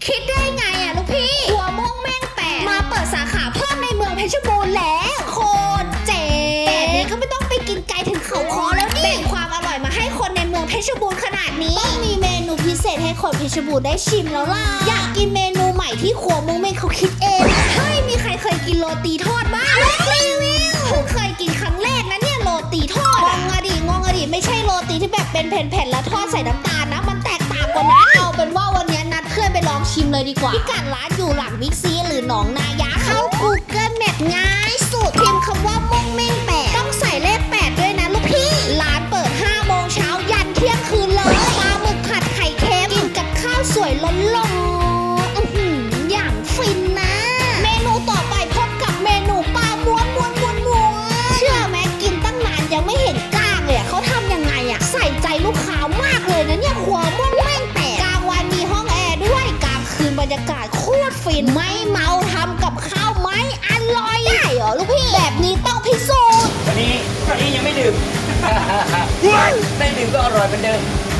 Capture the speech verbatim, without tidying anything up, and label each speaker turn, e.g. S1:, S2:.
S1: คิดได้ไงอ่ะลูกพี่หัวม่วงแม่งแปดมาเปิดสาขาเพิ่มในเมืองเพชรบูรณ์แล้วโคตรเจ๋งแต่นี้ก็ไม่ต้องไปกินไกลถึงเขาคอแล้วนี่แบ่งความอร่อยมาให้คนในเมืองเพชรบูรณ์ขนาดนี้ต้องมีเมนูพิเศษให้คนเพชรบูรณ์ได้ชิมแล้วล่ะอยากกินเมนูใหม่ที่ครัวม่วงแม่งเขาคิดเองเฮ้ยมีใครเคยกินโรตีทอดบ้างรีวิวเพิ่งเคยกินครั้งแรกนะเนี่ยโรตีทอดงงอะดิงงอะดิไม่ใช่โรตีที่แบบเป็นแผ่นๆแล้วทอดใส่น้ำตาลนะมันแตกต่างกว่านั้นเอาเป็นว่าวันนี้นัดเพื่อนไปลองชิมเลยดีกว่าพิกัดร้านอยู่หลังบิ๊กซีหรือหนองนายะเข้า Google Map ง่ายสุดพิมพ์คำว่าม่วงเม่งแปดต้องใส่เลขแปดด้วยนะลูกพี่ร้านเปิดห้าโมงเช้ายันเที่ยงคืนเลยปลาหมึกผัดไข่เค็มกินกับข้าวสวยล้นๆอื้อหืออย่างฟินนะเมนูต่อไปพบกับเมนูปลาม้วนม้วนม้วนม้วนเชื่อไหมกินตั้งนานยังไม่เห็นกล้างเลยเขาทำยังไงอะใส่ใจลูกค้ามากเลยนะเนี่ยครัวม่วงแม่งแตกกลางวันมีห้องแอร์ด้วยกลางคืนบรรยากาศโคตรฟินไม่เมาทำกับข้าวไหมอร่อยได้เหรอลูกพี่แบบนี้ต้องพิสูจน์
S2: วันนี้วันนี้ยังไม่ดื่ม ได้ดื่มก็อร่อยเหมือนเดิม